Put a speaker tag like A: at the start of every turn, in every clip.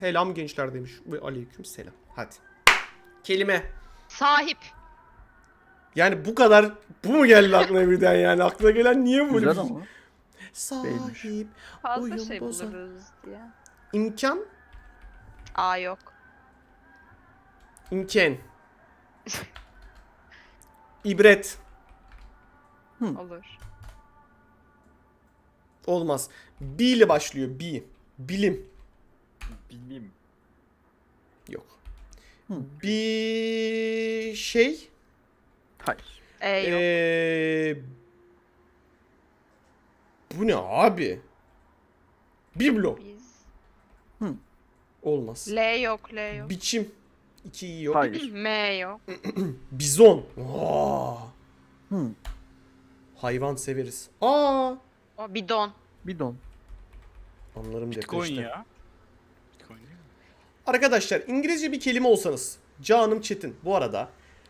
A: Selam gençler demiş. Ve aleyküm selam. Hadi. Kelime.
B: Sahip.
A: Yani bu kadar, bu mu geldi aklına birden yani? Aklına gelen niye böyle
C: Güzel
A: bir şey?
C: ama.
A: Sahip.
B: Fazla
A: Oyun
B: şey
A: bozan.
B: buluruz diye.
A: İmkan.
B: Aa yok.
A: İmken. İbret.
B: Olur.
A: Olmaz. B ile başlıyor. B. Bilim.
D: Bilim.
A: Yok.
C: Hı.
A: Bir şey.
C: Hayır.
B: Yok.
A: Bu ne abi? Biblo.
B: Biz.
A: Olmaz.
B: L yok. L yok.
A: Biçim. 2 iyi yok.
C: Hayır.
B: M yok.
A: Bizon. Aa,
C: Hı.
A: hayvan severiz. Aa.
B: O bidon.
C: Bidon.
A: Anlarım
D: Bitcoin
A: depreşte.
D: ya. Bitcoin değil mi?
A: Arkadaşlar İngilizce bir kelime olsanız. Canım Çetin. Bu arada.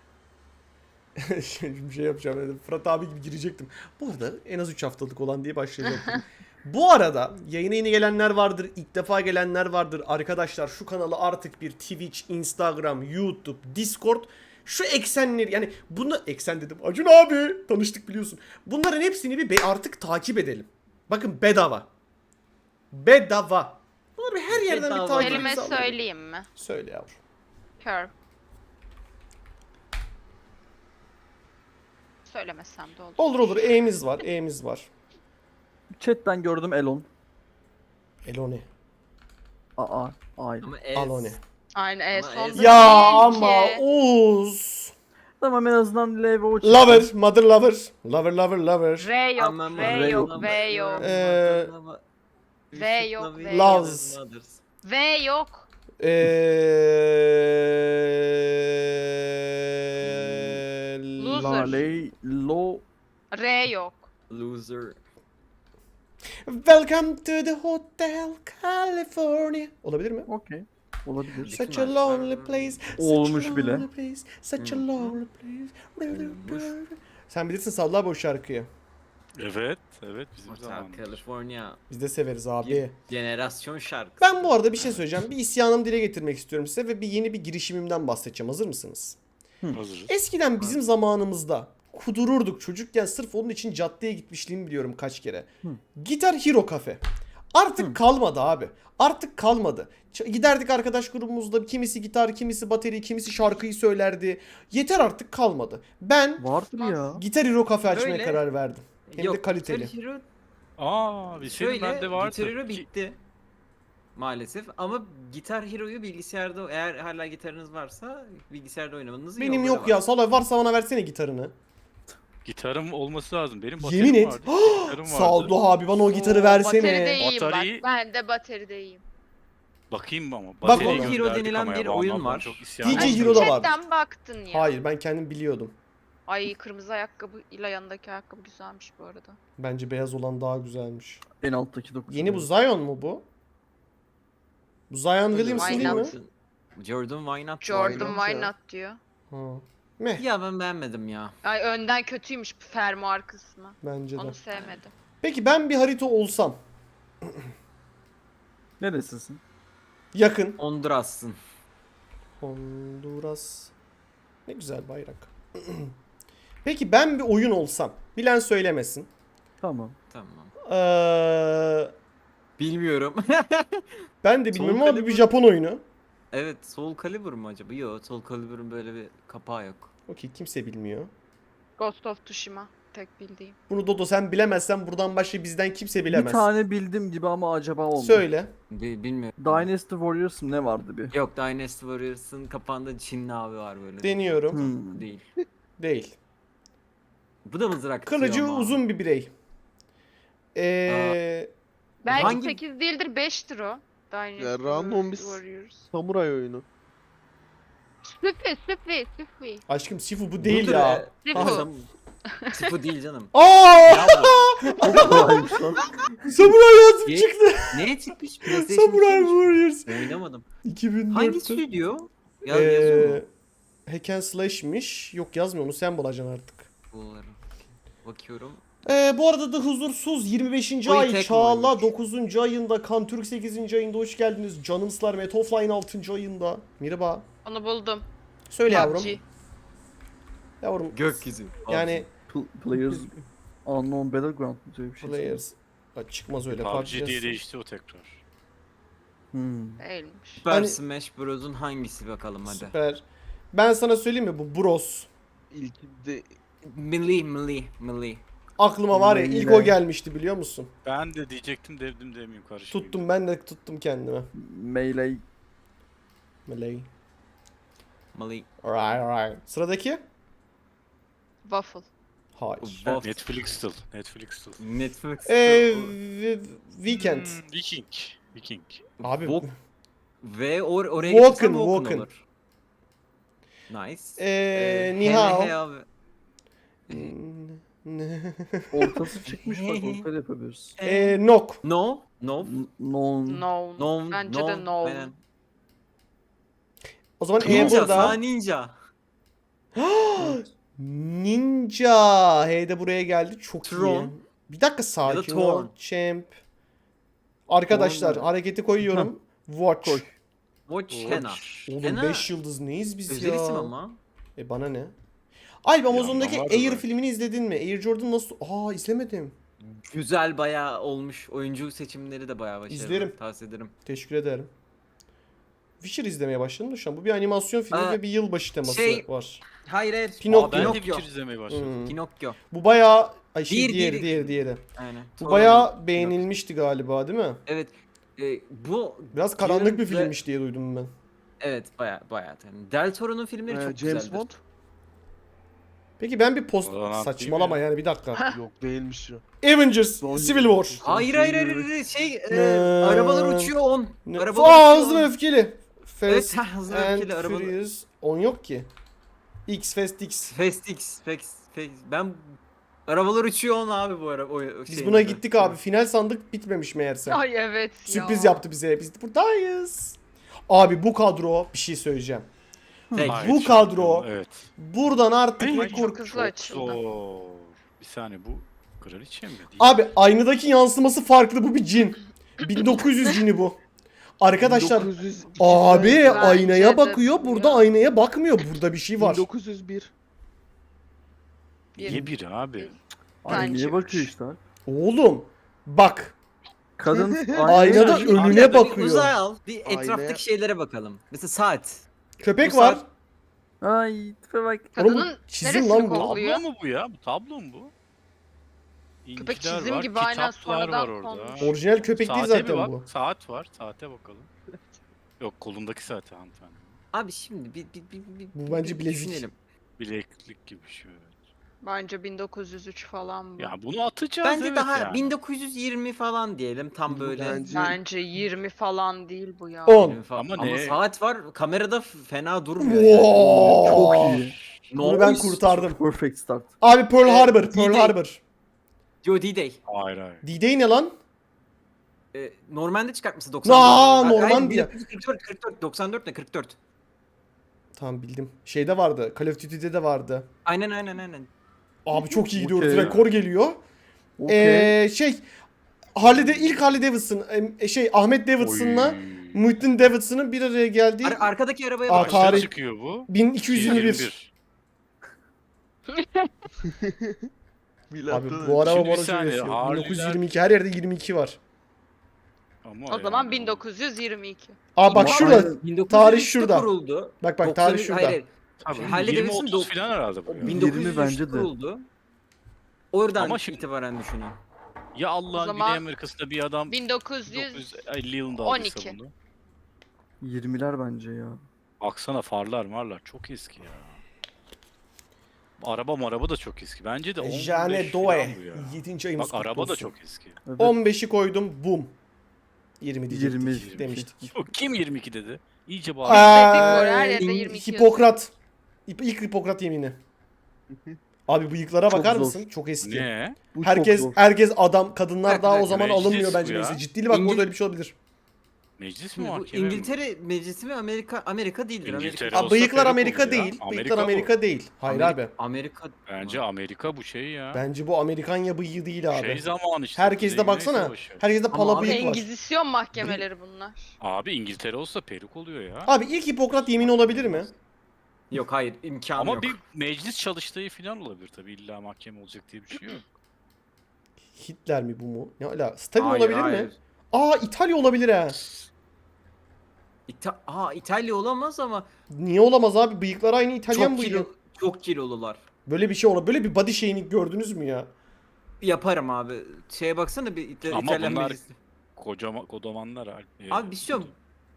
A: Şimdi bir şey yapacağım. Yani Fırat abi gibi girecektim. Bu arada en az 3 haftalık olan diye başlayacaktım. Bu arada yayına yeni gelenler vardır. İlk defa gelenler vardır. Arkadaşlar şu kanalı artık bir Twitch, Instagram, YouTube, Discord. Şu eksenleri yani bunu eksen dedim. Acun abi tanıştık biliyorsun. Bunların hepsini bir artık takip edelim. Bakın bedava. Bedava. Bunları bir her yerden
D: Bedava.
A: bir takip
B: Kelime
A: alalım.
B: söyleyeyim mi?
A: Söyle yavrum.
B: Kör. Söylemesem de olur.
A: Olur olur. E'miz var. E'miz var.
C: Chat'ten gördüm Elon.
A: Elone.
C: Aa. Hayır.
D: Ama
A: Alone.
B: Aynı
D: Ama
B: sonunda
A: Ya
B: değil
A: ama
B: ki.
A: Oğuz.
C: Tamam en azından L ve O çıktı.
A: Lover. Mother lover. Lover lover lover.
B: R yok.
D: Ama
B: V yok.
C: yok.
B: V yok. V yok, V
A: Loves.
B: V yok. Loser.
C: Lale. Lo.
B: R yok.
D: Loser.
A: Welcome to the Hotel California. Olabilir mi?
C: Okey. Olabilir.
A: Such a lonely place.
C: Olmuş
A: such a
C: bile.
A: lonely place, such a lonely place. Sen bilirsin Salla abi o şarkıyı.
D: Evet. Evet bizim
E: Hotel
D: zamanımız.
E: California
A: Biz de severiz abi.
E: bir jenerasyon şarkısı.
A: Ben bu arada bir şey söyleyeceğim. Bir isyanımı dile getirmek istiyorum size ve yeni bir girişimimden bahsedeceğim. Hazır mısınız?
D: Hazırız.
A: Eskiden bizim zamanımızda kudururduk çocukken, sırf onun için caddeye gitmişliğimi biliyorum kaç kere. Gitar Hero Cafe. Artık kalmadı abi. Artık kalmadı. Giderdik arkadaş grubumuzda, kimisi gitar, kimisi bateri, kimisi şarkıyı söylerdi. Yeter artık kalmadı. Ben
C: Vardır ya.
A: Gitar Hero Cafe açmaya
E: Öyle.
A: karar verdim. Hem de kaliteli.
E: Guitar Hero
D: Aa, bir şey bende vardı.
E: Guitar Hero bitti. Maalesef ama Gitar Hero'yu bilgisayarda eğer hala gitarınız varsa bilgisayarda oynamanızın
A: Benim
E: yolları
A: yok
E: var.
A: ya. Salay varsa bana versene gitarını.
D: Gitarım olması lazım. Benim baterim
A: Yemin et.
D: vardı. Gitarım vardı.
A: Saldo abi bana o gitarı
B: Oo,
A: versene.
B: Bateride iyiyim
D: Bataryayı-
B: bak. Ben de bateride iyiyim.
D: Bakayım ama.
A: Bak
D: Bateriyi
A: bakalım.
E: Hero
D: gönderdik
E: denilen
D: ama
E: bir
D: ya, bu
E: oyun
D: anlamda
E: var.
D: çok isyan
A: DJ
D: ettim.
A: Hero da var.
B: Chatten baktın ya.
A: Hayır ben kendim biliyordum.
B: Ay kırmızı ayakkabıyla yanındaki ayakkabı güzelmiş bu arada.
A: Bence beyaz olan daha güzelmiş.
C: En alttaki 9.
A: Yeni bu Zion mu bu? Bu Zion Williamson
B: Why
A: değil mi?
B: not?
E: Jordan Why Not?
B: Jordan Why Not diyor.
A: Ha. Meh
E: Ya ben beğenmedim ya.
B: Ay önden kötüymüş fermuar kısmı.
A: bence de.
B: Onu sevmedim.
A: Peki ben bir harita olsam.
C: Neresisin?
A: Yakın.
E: Honduras'sın.
A: Honduras. Ne güzel bayrak. Peki ben bir oyun olsam. Bilen söylemesin.
C: Tamam.
E: Tamam.
A: Ben
E: Bilmiyorum.
A: de
E: Soul
A: bilmiyorum ama bir
E: Calibur.
A: Japon oyunu.
E: Evet, Soul Calibur mu acaba? Yok, Soul Calibur'un böyle bir kapağı yok.
A: Okey kimse bilmiyor.
B: Ghost of Tsushima tek bildiğim.
A: Bunu Dodo sen bilemezsen buradan başka bizden kimse bilemez.
C: Bir tane bildim gibi ama acaba olmadı.
A: Söyle.
E: Bilmiyorum.
C: Dynasty Warriors mı ne vardı bir?
E: Yok, Dynasty Warriors'ın kapağında Çinli abi var böyle.
A: Deniyorum.
E: Değil.
A: Değil.
E: Bu da mızrak atıyor
A: Kılıcı
E: ama.
A: uzun bir birey.
B: Belki
E: Hangi-
B: 8 değildir 5'tir o. Dynasty
F: Ya, random bir
B: Warriors.
F: Samuray oyunu.
B: Süffi.
A: Aşkım Sifu bu değil
E: Budur
A: ya.
B: Sifu.
E: Sifu değil canım.
A: Aa!
C: Çok kolaymış lan.
A: Samuray yazıp
E: Ye-
A: çıktı.
E: Neye çıkmış? PlayStation
A: Samuray
E: 2'ymiş.
A: Warriors.
E: Oynamadım.
A: 2004'te.
E: Hangi stüdyo? Yazıyor mu?
A: Hack and Slash'miş. Yok yazmıyor onu sen bulacaksın artık.
E: Bunları. Bakıyorum.
A: Bu arada da huzursuz 25.
E: Oy,
A: ay
E: tek
A: Çağla
E: oymuş.
A: 9. ayında, Kantürk 8. ayında hoş geldiniz. Canımslar Metofline 6. ayında. Merhaba.
B: Onu buldum.
A: Söyle yavrum.
B: PUBG.
A: Yavrum.
E: Gökyüzü.
A: Yani
C: Players Unknown Battleground mu diye bir şey.
A: players. Bak çıkmaz öyle.
D: PUBG
A: PUBG
D: diye değişti o tekrar.
B: Değilmiş.
E: Super
A: Hani-
E: Smash Bros'un hangisi bakalım hadi.
A: Süper. Ben sana söyleyeyim mi bu Bros.
F: İlkinde
E: Milli.
A: Aklıma var ya ilk
C: Yine.
A: o gelmişti biliyor musun?
D: Ben de diyecektim devdim demeyeyim karışmayayım.
A: Tuttum ben de tuttum kendime.
C: Melee.
A: Malay.
E: Milli.
A: Alright. Sıradaki?
B: Waffle.
A: Hayır.
E: Wolf.
D: Netflix still.
E: Netflix.
A: Weekend.
D: Viking.
A: Abi
E: Walk- Ve oraya
A: Walken,
E: getirsem Walken
A: Walken.
E: olur. Nice.
A: Nihao.
E: Hey abi.
C: Ortası çıkmış bak ortaya yapabiliriz.
A: Nok.
E: No.
C: Non.
B: No.
E: No.
B: Bence de no.
E: Aynen.
A: O zaman
E: Ninja.
A: burada.
E: Sağ ninja.
A: Ninja. Hey de buraya geldi. Çok iyi.
E: Tron.
A: Bir dakika sakin ol.
E: Torn.
A: Champ. Arkadaşlar
C: Torn.
A: hareketi koyuyorum. Watch.
C: Koy.
E: Watch
D: Watch.
E: Hena.
A: Oğlum
E: Hena
A: 5 yıldız neyiz biz
E: özel
A: ya?
E: isim ama.
A: Bana ne? Alp Amazon'daki
D: anlam var da
A: Air
D: belki.
A: filmini izledin mi? Air Jordan nasıl? izlemedim.
E: Güzel bayağı olmuş. Oyuncu seçimleri de bayağı başarılı.
A: İzlerim.
E: Tavsiye ederim.
A: Teşekkür ederim. Witcher izlemeye başladım da şu an. Bu bir animasyon filmi
E: Aa,
A: ve bir yılbaşı teması
E: şey-
A: var.
E: Hayır.
A: Pinokyo.
D: Ben de
E: Pinokyo.
D: Witcher izlemeye başladım.
A: Hmm.
E: Pinokyo.
A: Bu bayağı
E: Diğeri,
A: diğeri.
E: diğeri. Aynen.
A: Bu
E: Torun.
A: bayağı beğenilmişti galiba değil mi?
E: Evet. Bu
A: Biraz karanlık bir
E: Dune ve-
A: filmmiş diye duydum ben.
E: evet bayağı. Yani Del Toro'nun filmleri çok
F: James
E: güzeldir.
F: Bond
A: Peki ben bir post
D: Ulan
A: saçmalama
D: değil mi?
A: yani bir dakika.
F: yok değilmiş ya.
A: Avengers
F: Son-
A: Civil War.
E: Hayır.
A: Ne?
E: Arabalar uçuyor 10.
A: Ne?
E: Arabalar
A: Hızlı ve öfkeli.
E: Evet,
A: Fast
E: hızlı
A: and
E: öfkeli arabalar.
A: Furious 10 yok ki. Fast X.
E: Fast. Ben arabalar uçuyor 10 abi bu ara. O
A: Biz
E: şeyin
A: buna
E: adı.
A: gittik abi. Final sandık bitmemiş meğerse.
B: Ay evet ya.
A: Sürpriz yaptı bize. Biz de buradayız. Abi bu kadro bir şey söyleyeceğim.
E: Tek.
D: Hayır,
A: Bu
D: çok
A: kadro-
D: güzel, Evet.
A: Buradan artık
D: Ay,
A: ne
B: Ay, çok
A: kork...
B: hızlı açıldı.
D: Zor. Bir saniye bu kraliçe mi? Değil.
A: Abi aynadaki yansıması farklı, bu bir cin. 1900 cini bu. Arkadaşlar
F: 1902
A: abi
B: Bence
A: aynaya
B: de
A: bakıyor,
B: bu
A: burada
B: ya.
A: aynaya bakmıyor. Burada bir şey var.
F: 1901.
D: Niye bir abi?
C: Aynaya
B: Bence
C: bakıyor
B: üç.
C: işte.
A: Oğlum bak.
C: Kadın
A: Aynada
C: aynaya-
A: önüne
E: Arkada bir
A: bakıyor.
E: uzay al. Bir
F: Aynaya-
E: etraftaki şeylere bakalım. Mesela saat.
A: Köpek
E: Bu
A: var.
E: saat-
C: Ay tipe bak.
A: Oğlum bu
B: Kadının
A: çizim
B: neresini
A: lan bu.
B: kokluyor?
D: Tablo mu bu ya? Bu tablo mu bu?
B: Köpek
D: İnciler
B: çizim
D: var,
B: gibi aynen
D: kitaplar
B: sonradan
D: var orada.
B: konmuş.
A: Orijinal köpek değil
D: Saate bir
A: zaten
D: bak.
A: bu.
D: Saat var. Saate bakalım. Yok kolundaki saate hanımefendi.
E: Abi şimdi bir
A: Bu bence bilezik.
E: düşünelim.
D: Bileklik gibi bir şey. Evet.
B: Bence 1903 falan bu.
D: Ya bunu atacağız
E: Bence
D: evet
E: daha
D: yani.
E: 1920 falan diyelim tam böyle.
F: Bence-
B: 20 falan değil bu ya.
A: 10.
E: 20 falan.
D: Ama
E: Ama
D: ne?
E: saat var. Kamerada fena durmuyor. Yani.
A: Wow.
C: Çok iyi.
A: Bunu ben
E: Noise.
A: kurtardım.
C: Perfect start.
A: Abi Pearl Harbor, Pearl
E: D-Day.
A: Harbor.
E: Yo D-Day.
D: Hayır hayır.
A: D-Day ne lan?
E: Normanda çıkartması 90.
A: Normandiya.
E: 44 94 ne 44.
A: Tamam bildim. Şeyde vardı. Call of Duty'de de vardı.
E: Aynen.
A: Abi çok iyi gidiyoruz.
C: Okey.
A: Rekor geliyor.
C: Okey.
A: İlk Harley Davidson, Ahmet Davidson'la
D: Oy.
A: Muhittin Davidson'ın bir araya geldiği
E: Arkadaki arabaya
A: Aa,
E: bak.
D: Kaçta
A: tarih-
D: çıkıyor bu?
A: 1221.
F: Milattan
A: Abi
F: önce.
A: bu araba
D: Şimdi bir
A: bana
D: saniye,
A: yaşıyor.
D: Harley'ler-
A: 1922 her yerde 22 var.
D: Ama
B: O zaman
D: yani
B: 1922.
A: Aa bak
C: Ama
A: şurada.
C: aynen.
E: 1923'te
A: tarih şurada.
E: kuruldu.
A: Bak
E: 90
A: tarih şurada.
E: Hayır,
D: Tabii,
E: Harley
D: 20
E: Davidson
D: 30 falan herhalde bu. ya.
E: 1923'te
C: bence de.
E: kuruldu. Oradan
D: Ama şimdi-
E: itibaren düşünün.
D: Ya
B: O
D: Allah'ın
B: zaman
D: Güney Amerika'sında bir adam
B: 1900
D: 1950 yılında
B: 12.
D: aldıysa bunu.
C: 20'ler bence ya.
D: Baksana farlar marlar çok eski ya. Araba da çok eski. Bence de 15
A: Jane
D: falan
A: Doe.
D: bu ya.
A: 7. ayımız
D: Bak
A: kutlu
D: araba da
A: olsun.
D: çok eski.
C: Evet.
A: 15'i koydum. Bum. 20 diyecektik.
C: 20
A: demiştik.
D: Yok, kim 22 dedi? İyice
A: Aa,
D: bağırdı.
B: var, her yerde 22
A: Hipokrat. İlk Hipokrat yemini. Abi bıyıklara
C: Çok
A: bakar
C: zor.
A: mısın? Çok eski.
D: Ne?
C: Bu çok
A: Herkes
C: zor.
A: herkes adam, kadınlar
E: Bak,
A: daha o
E: bak,
A: zaman
D: meclis
A: alınmıyor
D: bu
A: bence
D: ya.
A: neyse. Ciddili bak
E: İngiliz-
A: burada öyle bir şey olabilir.
D: Meclis mi
E: Bu
D: mahkeme mi?
E: İngiltere meclisi mi Amerika değildir.
D: İngiltere
E: Amerika.
D: olsa
A: Bıyıklar
D: peruk
A: Amerika
D: olur ya.
A: değil. Bıyıklar
D: Amerika bu.
A: Amerika değil. Hayır abi.
E: Amerika
D: Bence
E: mı?
D: Amerika bu şey ya.
A: Bence bu Amerikanya bıyığı değil abi.
D: Şey zamanı işte.
A: Herkeste
D: Kuzey Güney
A: baksana.
D: Savaşı.
A: Herkeste
E: Ama
A: pala
E: abi
A: bıyık var.
B: Engizisyon mahkemeleri bunlar.
D: Abi İngiltere olsa peruk oluyor ya.
A: Abi ilk Hipokrat yemini olabilir mi?
E: Yok hayır imkanı
D: Ama
E: yok.
D: bir meclis çalıştığı falan olabilir tabii. İlla mahkeme olacak diye bir şey yok.
A: Hitler mi bu mu? Ne ala? Stalin
E: Hayır,
A: olabilir mi?
E: hayır.
A: Aa İtalya olabilir ha.
E: İtalya olamaz ama
A: Niye olamaz abi? Bıyıklar aynı İtalyan
E: çok
A: bıyığı.
E: çok kilolular.
A: Böyle bir şey olur. Böyle bir body shaming gördünüz mü ya?
E: Yaparım abi. Şeye baksana bir
D: Ama
E: İtalyan
D: bunlar-
E: meclisi.
D: Kocamanlar abi.
E: Abi bir şey yok.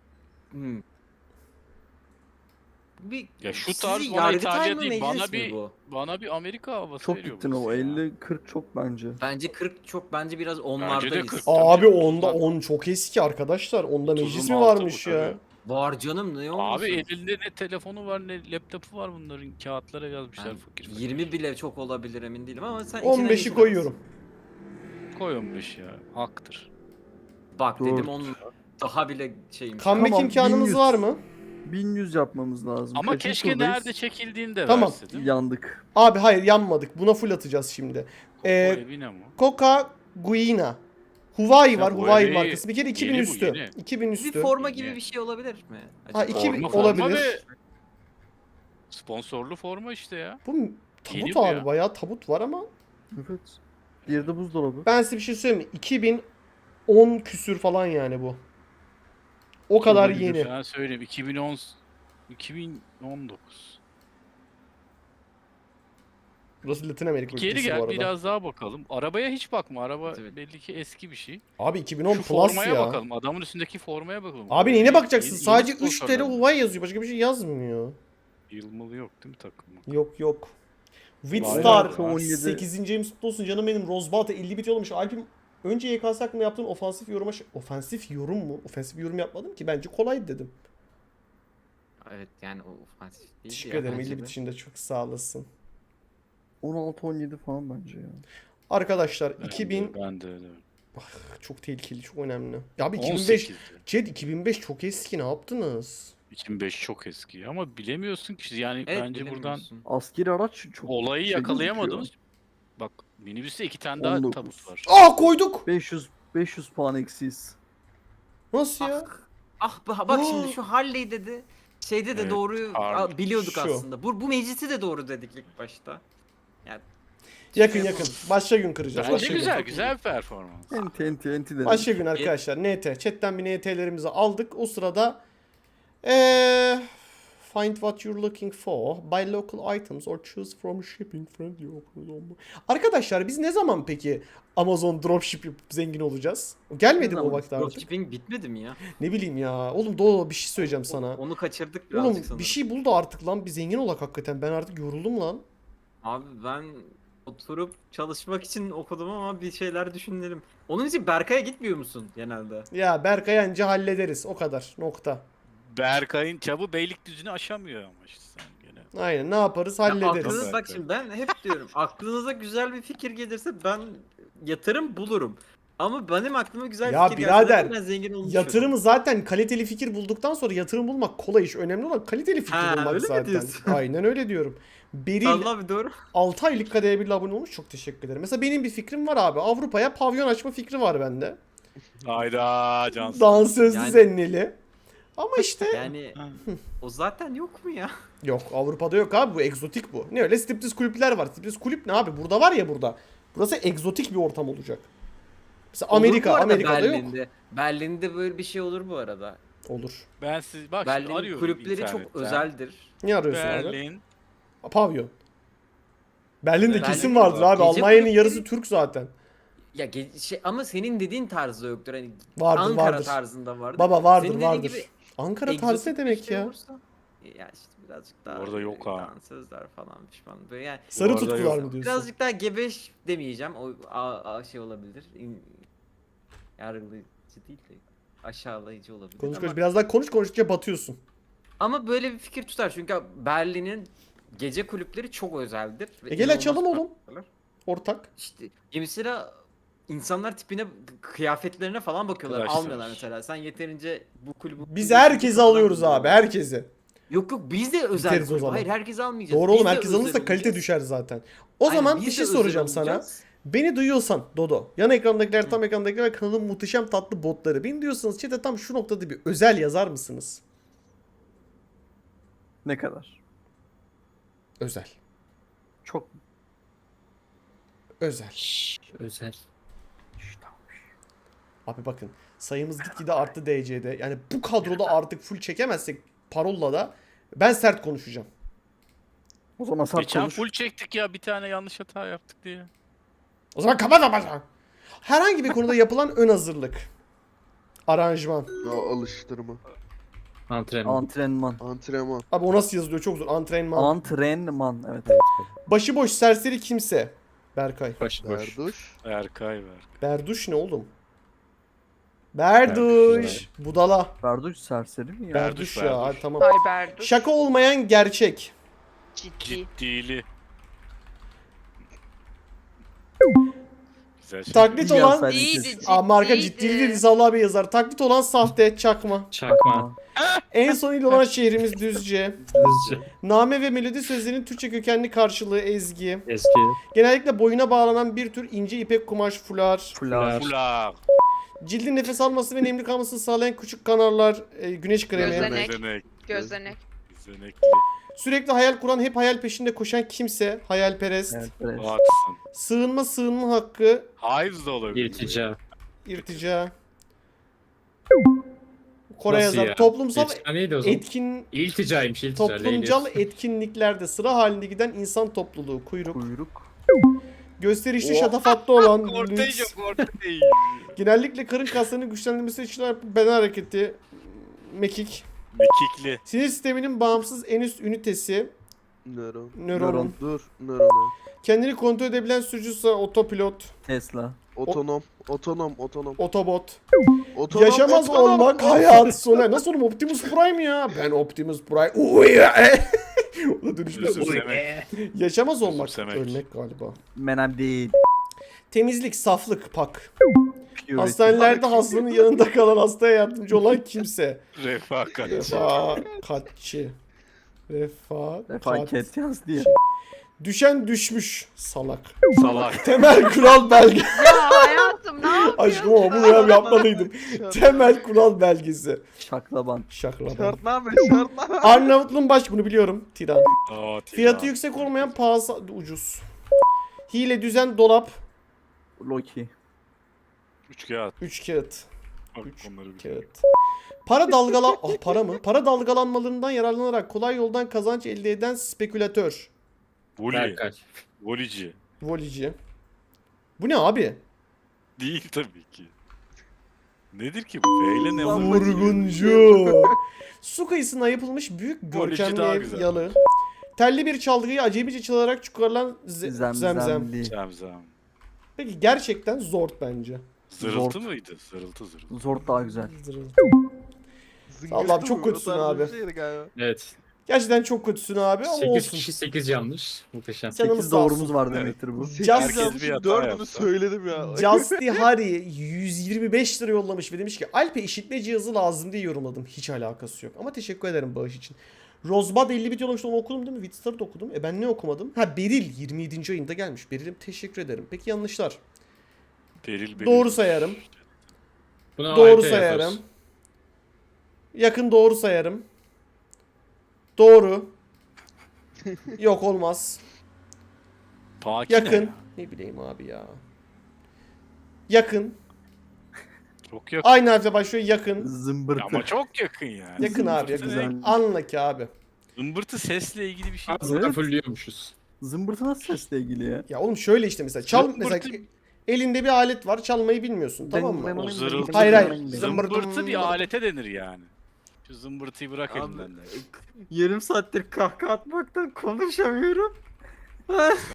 E: Bir
D: Ya şu
E: sizi
D: tarz bana
E: Yargıtay
D: İtalya
E: mı,
D: değil,
E: meclis
D: bana
E: mi
D: bir-
E: bu?
D: Bana bir Amerika havası
C: Çok
D: veriyor
C: gittin o.
D: burası ya.
C: 50-40 çok bence.
E: Bence 40 çok bence biraz
D: Bence de
E: onlardayız.
D: 40.
A: Abi
D: Tabii,
A: onda
D: otuzlar.
A: 10 çok eski arkadaşlar. Onda
D: Otuzun
A: meclis mi
D: altı
A: varmış
D: bu
A: ya?
D: tabii.
E: Var canım ne olmasın?
D: Abi elinde ne telefonu var ne laptopu var bunların. Kağıtlara yazmışlar
E: Ben
D: fakir fakir.
E: 20 bile çok olabilir emin değilim ama sen içine
A: 15'i
E: geçiremezsin.
A: koyuyorum.
D: Koy 15 ya. Haktır.
E: Bak
C: Dört.
E: dedim onun daha bile şeyim.
A: Comeback
C: Tamam,
A: imkanınız
C: 1100.
A: var mı?
C: 1100 yapmamız lazım.
D: Ama
C: Kaçıncı
D: keşke
C: turdayız?
D: nerede çekildiğini de
A: Tamam.
D: verse değil mi?
C: Yandık.
A: Abi hayır yanmadık. Buna full atacağız şimdi.
D: O evine mi?
A: Coca Guina. Huawei
D: Ya
A: var.
D: bu
A: Huawei
D: yeni-
A: markası. Bir kere 2000
D: yeni bu,
A: üstü.
D: yeni.
A: 2000
E: Bir
A: üstü.
E: forma
D: Yeni.
E: gibi bir şey olabilir mi?
A: Ha,
E: Acaba?
A: 2000
D: Forma
A: olabilir.
D: ve sponsorlu forma işte ya.
A: Bu
D: Yeni
A: tabut
D: bu
A: abi.
D: ya.
A: Bayağı tabut var ama
C: Evet. Diğeri de buzdolabı.
A: ben size bir şey söyleyeyim mi? 2010 küsür falan yani bu. O kadar
C: Olabilir.
A: yeni.
D: Ben söyleyeyim 2019.
A: Burası Latin Amerika
D: Geri
A: ülkesi bu
D: gel
A: arada.
D: biraz daha bakalım. Arabaya hiç bakma. Araba
E: Evet.
D: belli ki eski bir şey.
A: Abi 2010
D: Şu
A: Plus
D: formaya
A: ya.
D: bakalım. Adamın üstündeki formaya bakalım.
A: Abi neyine bakacaksın?
D: Yeni-
A: Sadece
D: yeni
A: 3
D: sponsorlar.
A: TL Huawei yazıyor. Başka bir şey yazmıyor.
D: Yılmalı yok değil mi takım?
A: Yok yok. Witstar
C: Bayrak 17.
A: 8. ayım kutlu olsun canım benim. Rosebalt'a 50 bit yollamış. Alp'im önce YKS hakkında yaptığın ofansif yoruma... Ofansif yorum mu? Ofansif bir yorum yapmadım ki. Bence kolaydı dedim.
E: Evet yani o ofansif değil
A: Teşekkür ederim. 50 bit için de çok sağ olasın.
C: 16-17 falan bence ya.
A: Arkadaşlar 2000...
D: Ben de öyle.
A: Çok tehlikeli, çok önemli. Ya abi 2005...
D: 18'di.
A: Ced 2005 çok eski. Ne yaptınız?
D: 2005 çok eski ama bilemiyorsun ki yani
E: Evet,
D: bence buradan
E: bilemiyorsun.
C: Askeri araç çok
D: olayı
C: şey
D: yakalayamadınız. Bak minibüste 2 tane daha
C: 19.
D: tabut var.
A: Aa koyduk.
C: 500 puan eksiyiz.
A: Nasıl ya?
E: Bak şimdi şu Harley dedi. Şeyde de
D: Evet,
E: doğruyu
D: Harley.
E: biliyorduk
A: Şu.
E: aslında. Bu meclisi de doğru dedik ilk başta. Yani
A: Yakın
E: şey
A: yakın. Başka gün kıracağız.
D: Bence
A: Başka gün.
D: güzel güzel bir performans.
C: Enti dedim.
A: Başka gün arkadaşlar. NT. Chat'ten bir NT'lerimizi aldık. O sırada find what you're looking for. Buy local items or choose from shipping friendly offers. Arkadaşlar biz ne zaman peki Amazon dropship yapıp zengin olacağız? Gelmedi mi o vakit artık?
E: dropshipping bitmedi mi ya?
A: Ne bileyim ya. Oğlum Doğu bir şey söyleyeceğim sana.
E: Onu kaçırdık birazcık
A: Oğlum
E: sanırım.
A: bir şey bul da artık lan. Bir zengin olak hakikaten. Ben artık yoruldum lan.
E: Abi ben oturup çalışmak için okudum ama bir şeyler düşünelim. Onun için Berkay'a gitmiyor musun genelde?
A: Ya Berkay anca hallederiz. O kadar. Nokta.
D: Berkay'ın çabı Beylikdüzü'nü aşamıyor ama işte sen gene.
A: Aynen. Ne yaparız?
E: Ya
A: Hallederiz.
E: aklınız, bak şimdi ben hep diyorum aklınıza güzel bir fikir gelirse ben yatırım bulurum. Ama benim aklıma güzel
A: Ya
E: fikir
A: birader,
E: gelse ben zengin olmuş
A: Yatırımı zaten kaliteli fikir bulduktan sonra yatırım bulmak kolay iş. Önemli olan kaliteli fikir
E: Ha,
A: bulmak
E: öyle mi
A: zaten.
E: diyorsun?
A: Aynen öyle diyorum. Beril
E: Allah abi doğru.
A: 6 aylık kadeye bir abone olmuş. Çok teşekkür ederim. Mesela benim bir fikrim var abi. Avrupa'ya pavyon açma fikri var bende.
D: Hayda Cansın.
A: Dansözlü
E: Yani-
A: zenneli. Ama işte
E: Yani o zaten yok mu ya?
A: yok Avrupa'da yok abi, bu egzotik bu. Ne öyle striptiz kulüpler var. Striptiz kulüp ne abi? Burada var ya burada. Burası egzotik bir ortam olacak. Mesela
E: Olur bu
A: Amerika,
E: arada
A: Amerika'da yok.
E: Berlin'de. Berlin'de böyle bir şey olur bu arada.
A: Olur.
D: Ben siz bak şimdi
E: Berlin
D: arıyorum
E: kulüpleri çok
D: internetten.
E: özeldir.
A: Ne arıyorsun abi?
D: Berlin.
A: Pavyon. Berlin'de
D: Berlin'de
A: kesin
D: var.
A: vardır abi.
E: Gece
A: Almanya'nın
E: kulüpleri-
A: yarısı Türk zaten.
E: Ya ama senin dediğin tarzda yoktur. Hani
A: Vardır
E: Ankara
A: vardır.
E: tarzında vardır.
A: Baba vardır
E: Senin dediğin
A: vardır.
E: gibi
A: Ankara tarzı
E: egzotik
A: ne
E: bir
A: demek
E: şey
A: ya?
E: olursa, ya işte birazcık daha
D: Orada yok ha.
E: dansözler falan pişman. Böyle yani
A: Sarı
D: Bu arada
A: tutkular
D: yok.
A: mı diyorsun?
E: birazcık daha gebeş demeyeceğim. O şey olabilir. Yargılayıcı değil de aşağılayıcı olabilir.
A: Konuş
E: ama,
A: konuş. Biraz daha konuş, konuştukça batıyorsun.
E: ama böyle bir fikir tutar çünkü Berlin'in gece kulüpleri çok özeldir. ve
A: Gel
E: inanılmaz
A: açalım oğlum.
E: farklılar.
A: Ortak.
E: İşte mesela insanlar tipine, kıyafetlerine falan bakıyorlar.
D: Arkadaşlar.
E: Almıyorlar mesela. Sen yeterince bu kulübü...
A: Biz herkesi alıyoruz abi, herkesi.
E: Yok biz de özel
A: Biteriz o
E: kulüp.
A: zaman.
E: Hayır herkesi almayacağız.
A: Doğru
E: Biz
A: oğlum,
E: de
A: herkes
E: özel
A: alırsa kalite
E: olacağız.
A: düşer zaten. O
E: Aynen,
A: zaman
E: biz
A: bir
E: de
A: şey
E: özel
A: soracağım sana.
E: olacağız.
A: Beni duyuyorsan Dodo, yan ekrandakiler, tam ekrandakiler ve kanalın muhteşem tatlı botları. Beni diyorsanız chat'e tam şu noktada bir özel yazar mısınız?
C: Ne kadar?
A: Özel.
C: Çok.
A: Özel.
G: Özel.
A: Abi bakın, sayımız gitgide arttı DC'de. Yani bu kadroda artık full çekemezsek parolla da ben sert konuşacağım.
C: O zaman sert
D: Geçen
C: konuş.
D: full çektik ya bir tane yanlış hata yaptık diye.
A: O zaman kapat ama. Herhangi bir konuda yapılan ön hazırlık. Aranjman.
F: Ya alıştırma.
G: Antrenman.
C: Antrenman.
F: Antrenman.
A: Abi o nasıl yazılıyor, çok zor. Antrenman.
C: Antrenman. Evet.
A: Başıboş serseri kimse. Berkay.
G: Boş.
F: Berduş.
D: Erkay ver.
A: Berduş ne oğlum? Berduş. Budala.
C: Berduş serseri mi ya?
A: Berduş ya. Hadi tamam.
B: Ay Berduş.
A: Şaka olmayan gerçek.
B: Ciddi.
D: Ciddili. Güzel şey.
A: Taklit
C: İyi
A: olan...
C: yazsaydın
B: İyiydi,
C: keşke.
A: Aa, marka
B: ciddiydi.
A: ciddiliği Rizal abi yazar. Taklit olan sahte, çakma.
G: Çakma.
A: En son il olan şehrimiz Düzce.
G: Hızlıca.
A: Name ve melodi sözlerinin Türkçe kökenli karşılığı ezgi.
G: Eski.
A: Genellikle boyuna bağlanan bir tür ince ipek kumaş fular.
C: Fular.
D: Fular.
A: Cildin nefes alması ve nemli kalmasını sağlayan küçük kanarlar, güneş kremi.
B: Gözenek.
D: Gözenek.
B: Gözlenek.
D: Gözenekli.
A: Sürekli hayal kuran, hep hayal peşinde koşan kimse, hayalperest.
C: Evet, evet.
D: Baksın.
A: Sığınma hakkı,
D: Haiz de olabilir.
G: İrtica.
A: irtica. Kore
G: Nasıl
A: yazar.
G: ya?
A: Toplumsal
G: İrtica neydi o zaman?
A: etkin
G: İlticaymış iltica.
A: toplumcal
G: Leylis.
A: etkinliklerde sıra halinde giden insan topluluğu, kuyruk.
C: Kuyruk.
A: Gösterişli
F: Oh.
A: şatafatlı olan
D: Kortej
A: lüks.
D: yok kortej.
A: Genellikle karın kaslarının güçlendirmesi için beden hareketi, mekik.
D: Mekikli.
A: Sinir sisteminin bağımsız en üst ünitesi,
F: Nöron.
A: nöron.
F: Dur. Nöron.
A: Kendini kontrol edebilen sürücüsü otopilot,
C: Tesla.
F: Otonom.
A: otobot.
F: Otonom.
A: Yaşamaz
F: otonom.
A: olmak hayat sonu. Nasıl oğlum, Optimus Prime ya? Ben Optimus Prime. Uy ya. O da dönüşmüş.
D: Özümsemek.
A: Yaşamaz olmak.
D: Özümsemek.
A: Ölmek galiba.
C: Menem değil.
A: Temizlik, saflık, pak.
C: Purity.
A: Hastanelerde hastanın yanında kalan hastaya yardımcı olan kimse.
D: Refakat.
A: Refakatçi.
C: Refaket yaz diye.
A: Düşen düşmüş. Salak.
D: Salak.
A: Temel kural belge.
B: Ya hayatım ne yapıyorsun?
A: Aşkım ama bunu yapmalıydım. Temel kural belgesi.
C: Şaklaban.
A: Şaklaban.
F: Şartname.
A: Arnavutluğun baş, bunu biliyorum. Tiran.
D: Aa,
A: Fiyatı yüksek olmayan pahalı ucuz. Hile, düzen, dolap.
C: Loki.
D: Üç kağıt.
A: 3 kağıt.
D: Bak
A: Üç
D: onları bir.
A: Kağıt. Para mı? Para dalgalanmalarından yararlanarak kolay yoldan kazanç elde eden spekülatör.
D: Voli.
G: Berkay.
D: Volici.
A: Volici. Bu ne abi?
D: Değil tabii ki. Nedir ki bu? V ile ne var?
A: Vurguncu. Su kıyısına yapılmış büyük
D: Volici
A: görkemli
D: daha
A: ev
D: güzel.
A: yalı. Telli bir çalgıyı acemice çalarak çıkarılan zemzem.
C: Zemzemli.
D: Zemzem.
A: Peki gerçekten zor bence.
D: Zırıltı
C: Zort.
D: mıydı? Zırıltı zırıltı.
C: Zort daha güzel.
A: Allah'ım çok kötüsün abi.
G: Evet.
A: Gerçekten çok kötüsün abi ama
G: 8
A: olsun.
G: kişi 8 yanlış. Muhteşem.
A: Canımız
C: 8
A: sağ olsun.
C: doğrumuz var
D: Evet.
C: demektir bu.
D: Herkes bir hata
F: Dördünü
D: yapsa.
F: söyledim ya.
A: Justy Harry 125 lira yollamış ve demiş ki Alp'e işitme cihazı lazım diye yorumladım. Hiç alakası yok ama teşekkür ederim bağış için. Rozbad 50 bit yollamıştı, onu okudum değil mi? Widstar'ı da okudum. Ben ne okumadım? Ha, Beril 27. ayında gelmiş. Beril'im teşekkür ederim. Peki yanlışlar?
D: Beril.
A: Doğru sayarım.
G: Buna
A: Doğru
G: AYT
A: sayarım.
G: yaparız.
A: Yakın doğru sayarım. Doğru. Yok olmaz.
D: Pakine.
A: Yakın. Ne bileyim abi ya. Yakın.
D: Çok yakın.
A: Aynı harfle başlıyor, yakın.
C: Zımbırtı.
D: Ama çok yakın yani.
A: Yakın abi,
D: Zımbırtı
A: yakın.
D: ne?
A: Anla ki abi.
D: Zımbırtı sesle ilgili bir şey.
G: Aslında
C: Evet.
G: fullüyormuşuz.
C: Zımbırtı nasıl sesle ilgili ya?
A: Ya oğlum şöyle işte mesela çal
D: Zımbırtı-
A: mesela elinde bir alet var, çalmayı bilmiyorsun, tamam mı?
D: O zırıltı.
A: Hayır, hayır.
D: Zımbırtı bir alete denir yani. Şu zımbırtıyı bırak
E: Abi,
D: elinden de.
E: yarım saattir kahkaha atmaktan konuşamıyorum.